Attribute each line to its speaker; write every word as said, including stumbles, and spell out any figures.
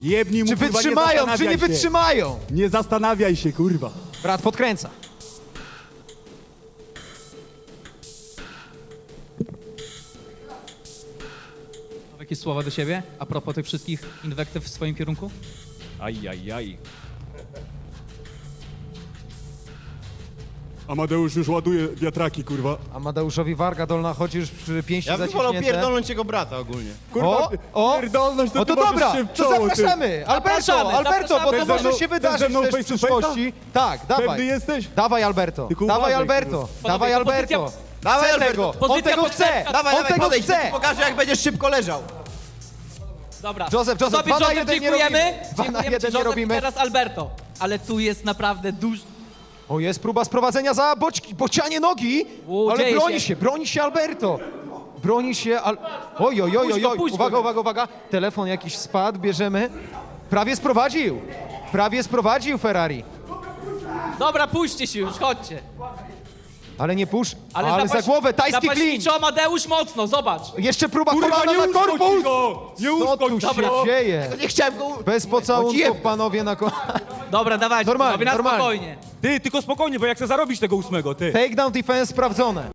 Speaker 1: Jebnij mu,
Speaker 2: Czy
Speaker 1: kurwa,
Speaker 2: wytrzymają,
Speaker 1: nie
Speaker 2: czy nie
Speaker 1: zastanawiaj się.
Speaker 2: wytrzymają?
Speaker 1: Nie zastanawiaj się, kurwa.
Speaker 2: Brat podkręca.
Speaker 3: Jakieś słowa do siebie a propos tych wszystkich inwektyw w swoim kierunku?
Speaker 4: Aj, aj, aj.
Speaker 1: Amadeusz już ładuje wiatraki, kurwa.
Speaker 2: Amadeuszowi warga dolna chodzi już przy pięści
Speaker 5: Ja bym wolał
Speaker 2: zaciśnięte.
Speaker 5: pierdolnąć jego brata ogólnie.
Speaker 1: Kurwa,
Speaker 2: O, o,
Speaker 1: pierdolność, to
Speaker 2: o
Speaker 1: ty
Speaker 2: to
Speaker 1: możesz
Speaker 2: dobra,
Speaker 1: się w
Speaker 2: to
Speaker 1: czoło, ty.
Speaker 2: zapraszamy. Alberto,
Speaker 3: Zapraszamy,
Speaker 2: Alberto, bo to
Speaker 3: zapraszamy.
Speaker 2: może
Speaker 1: Chcesz
Speaker 2: się
Speaker 1: ze
Speaker 2: wydarzyć
Speaker 1: mną
Speaker 2: też w
Speaker 1: face to face'a?
Speaker 2: przyszłości. Tak,
Speaker 1: Pewny
Speaker 2: dawaj.
Speaker 1: jesteś?
Speaker 2: Dawaj Alberto,
Speaker 1: Tylko
Speaker 2: dawaj
Speaker 1: uważaj,
Speaker 2: Alberto,
Speaker 1: kurwa.
Speaker 2: dawaj
Speaker 3: Panowie,
Speaker 2: Alberto.
Speaker 3: pozycja-
Speaker 5: Dawaj,
Speaker 2: Chce
Speaker 5: Alberto.
Speaker 2: tego, on
Speaker 3: Pozycja
Speaker 2: tego chce,
Speaker 3: partnerska.
Speaker 5: Dawaj,
Speaker 2: on
Speaker 5: dawaj,
Speaker 2: tego
Speaker 5: podejdź,
Speaker 2: chce.
Speaker 5: ci pokażę jak będziesz szybko leżał.
Speaker 3: Dobra.
Speaker 2: Józef, Józef,
Speaker 3: Tobie,
Speaker 2: dwa na
Speaker 3: Józef,
Speaker 2: jeden nie
Speaker 3: dziękujemy.
Speaker 2: robimy. Dwa na
Speaker 3: Dziękujemy ci,
Speaker 2: jeden nie
Speaker 3: Józef,
Speaker 2: robimy.
Speaker 3: i teraz Alberto. Ale tu jest naprawdę duży...
Speaker 2: O, jest próba sprowadzenia za boczki, bocianie nogi,
Speaker 3: U,
Speaker 2: ale
Speaker 3: dzieje
Speaker 2: broni
Speaker 3: się.
Speaker 2: się, broni się Alberto. Broni się, al... oj, oj, oj,
Speaker 3: Puść
Speaker 2: oj,
Speaker 3: go,
Speaker 2: oj.
Speaker 3: puść go.
Speaker 2: Uwaga, uwaga, uwaga, telefon jakiś spadł, bierzemy. Prawie sprowadził, prawie sprowadził Ferrari,
Speaker 3: Dobra, puśćcie się już, chodźcie.
Speaker 2: ale nie pusz, ale,
Speaker 3: Ale,
Speaker 2: za głowę, tajski klin.
Speaker 3: Zapaśniczo Amadeusz mocno, zobacz.
Speaker 2: Jeszcze próba
Speaker 1: Kurwa,
Speaker 2: kolana
Speaker 1: nie
Speaker 2: na
Speaker 1: uszkodź
Speaker 2: korpus.
Speaker 1: go! Nie
Speaker 2: Co tu
Speaker 1: uszkodź
Speaker 2: się
Speaker 1: go!
Speaker 2: dzieje?
Speaker 5: Nie chciałem go...
Speaker 2: Bez pocałunków, panowie, na ko...
Speaker 3: Dobra, dawajcie,
Speaker 2: Normalnie,
Speaker 3: panowie, na
Speaker 2: normalnie.
Speaker 3: spokojnie.
Speaker 4: Ty, tylko spokojnie, bo ja chcę zarobić tego ósmego, ty.
Speaker 2: Takedown defense sprawdzone.